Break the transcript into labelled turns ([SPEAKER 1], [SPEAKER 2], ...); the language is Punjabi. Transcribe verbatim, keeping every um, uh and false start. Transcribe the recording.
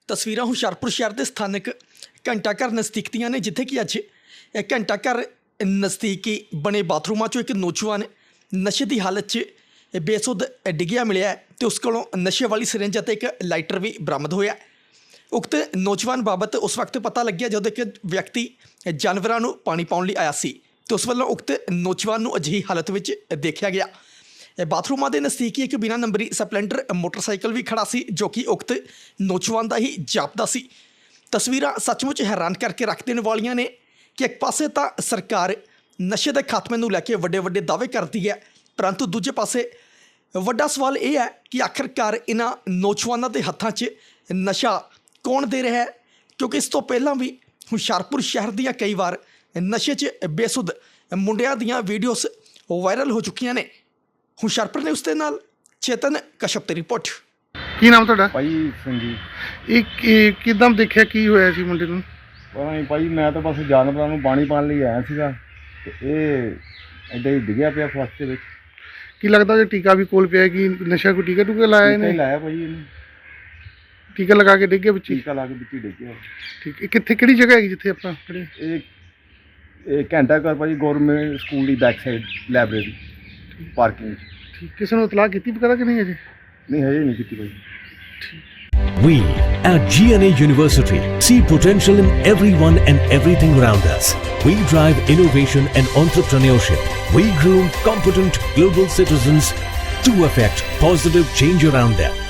[SPEAKER 1] ਤਸਵੀਰਾਂ ਹੁਸ਼ਿਆਰਪੁਰ ਸ਼ਹਿਰ ਦੇ ਸਥਾਨਕ ਘੰਟਾ ਘਰ ਨਜ਼ਦੀਕ ਦੀਆਂ ਨੇ, ਜਿੱਥੇ ਕਿ ਅੱਜ ਇਹ ਘੰਟਾ ਘਰ ਨਜ਼ਦੀਕੀ ਬਣੇ ਬਾਥਰੂਮਾਂ 'ਚੋਂ ਇੱਕ ਨੌਜਵਾਨ ਨਸ਼ੇ ਦੀ ਹਾਲਤ 'ਚ ਬੇਸੁੱਧ ਡਿੱਗਿਆ ਮਿਲਿਆ ਹੈ ਤੇ ਉਸ ਕੋਲੋਂ ਨਸ਼ੇ ਵਾਲੀ ਸਿਰਿੰਜ ਅਤੇ ਇੱਕ ਲਾਈਟਰ ਵੀ ਬਰਾਮਦ ਹੋਇਆ। ਉਕਤ ਨੌਜਵਾਨ ਬਾਬਤ ਉਸ ਵਕਤ ਪਤਾ ਲੱਗਿਆ ਜਦੋਂ ਇੱਕ ਵਿਅਕਤੀ ਜਾਨਵਰਾਂ ਨੂੰ ਪਾਣੀ ਪਾਉਣ ਲਈ ਆਇਆ ਸੀ ਤੇ ਉਸ ਵੱਲੋਂ ਉਕਤ ਨੌਜਵਾਨ ਨੂੰ ਅਜਿਹੀ ਹਾਲਤ ਵਿੱਚ ਦੇਖਿਆ ਗਿਆ। ਬਾਥਰੂਮਾਂ ਦੇ ਨਜ਼ਦੀਕ ਇੱਕ ਬਿਨਾਂ ਨੰਬਰੀ ਸਪਲੈਂਡਰ ਮੋਟਰਸਾਈਕਲ ਵੀ ਖੜਾ ਸੀ, ਜੋ ਕਿ ਉਕਤ ਨੌਜਵਾਨ ਦਾ ਹੀ ਜਾਪਦਾ ਸੀ। ਤਸਵੀਰਾਂ ਸੱਚਮੁੱਚ ਹੈਰਾਨ ਕਰਕੇ ਰੱਖ ਦੇਣ ਵਾਲੀਆਂ ਨੇ ਕਿ ਇੱਕ ਪਾਸੇ ਤਾਂ ਸਰਕਾਰ ਨਸ਼ੇ ਦੇ ਖਾਤਮੇ ਨੂੰ ਲੈ ਕੇ ਵੱਡੇ ਵੱਡੇ ਦਾਅਵੇ ਕਰਦੀ ਹੈ, ਪਰੰਤੂ ਦੂਜੇ ਪਾਸੇ ਵੱਡਾ ਸਵਾਲ ਇਹ ਹੈ ਕਿ ਆਖਰਕਾਰ ਇਹਨਾਂ ਨੌਜਵਾਨਾਂ ਦੇ ਹੱਥਾਂ 'ਚ ਨਸ਼ਾ ਕੌਣ ਦੇ ਰਿਹਾ ਹੈ, ਕਿਉਂਕਿ ਇਸ ਤੋਂ ਪਹਿਲਾਂ ਵੀ ਹੁਸ਼ਿਆਰਪੁਰ ਸ਼ਹਿਰ ਦੀਆਂ ਕਈ ਵਾਰ ਨਸ਼ੇ 'ਚ ਬੇਸੁੱਧ ਮੁੰਡਿਆਂ ਦੀਆਂ ਵੀਡੀਓਜ਼ ਵਾਇਰਲ ਹੋ ਚੁੱਕੀਆਂ ਨੇ। ਹੁਸ਼ਿਆਰਪੁਰ ਨੇ ਉਸ ਦੇ ਨਾਲ ਚੇਤਨ ਕਸ਼ਪ ਦੀ ਰਿਪੋਰਟ।
[SPEAKER 2] ਕੀ ਨਾਮ ਤੁਹਾਡਾ?
[SPEAKER 3] ਭਾਈ ਸੰਜੀ।
[SPEAKER 2] ਇਹ ਕਿਦਾਂ ਦੇਖਿਆ, ਕੀ ਹੋਇਆ ਸੀ ਮੁੰਡੇ ਨੂੰ?
[SPEAKER 3] ਪਤਾ ਨਹੀਂ ਭਾਈ, ਮੈਂ ਤਾਂ ਬਸ ਜਾਨਵਰਾਂ ਨੂੰ ਪਾਣੀ ਪਾਉਣ ਲਈ ਆਇਆ ਸੀਗਾ ਤੇ ਇਹ ਇੱਦਾਂ ਹੀ ਡਿੱਗਿਆ ਪਿਆ ਫਸਟ ਦੇ ਵਿੱਚ।
[SPEAKER 2] ਕੀ ਲੱਗਦਾ ਜੇ ਟੀਕਾ ਵੀ ਕੋਲ ਪਿਆ ਕਿ ਨਸ਼ਾ ਕੋਈ ਟੀਕਾ ਟੂਕਾ ਲਾਇਆ
[SPEAKER 3] ਟੀਕਾ ਹੀ
[SPEAKER 2] ਇਹਨੇ?
[SPEAKER 3] ਲਾਇਆ ਭਾਈ ਇਹਨੇ,
[SPEAKER 2] ਟੀਕਾ ਲਗਾ ਕੇ ਡਿੱਗਿਆ ਵਿੱਚ ਹੀ?
[SPEAKER 3] ਟੀਕਾ ਲਾ ਕੇ ਵਿੱਚ ਹੀ ਡਿੱਗਿਆ।
[SPEAKER 2] ਠੀਕ ਹੈ। ਕਿੱਥੇ, ਕਿਹੜੀ ਜਗ੍ਹਾ ਹੈਗੀ ਜਿੱਥੇ ਆਪਾਂ ਖੜੇ?
[SPEAKER 3] ਇਹ ਇਹ ਘੰਟਾ ਘਰ ਭਾਈ ਗੌਰਮੈਂਟ ਸਕੂਲ ਦੀ ਬੈਕ ਸਾਈਡ ਲਾਇਬ੍ਰੇਰੀ ਪਾਰਕਿੰਗ।
[SPEAKER 2] ਠੀਕ, ਕਿਸੇ ਨੂੰ ਇਤਲਾਹ ਕੀਤੀ ਪਤਾ ਕਿ ਨਹੀਂ ਅਜੇ?
[SPEAKER 3] ਨਹੀਂ ਹਜੇ ਨਹੀਂ ਕੀਤੀ ਭਾਈ।
[SPEAKER 4] We at G N A University see potential in everyone and everything around us. We drive innovation and entrepreneurship. We groom competent global citizens to affect positive change around them.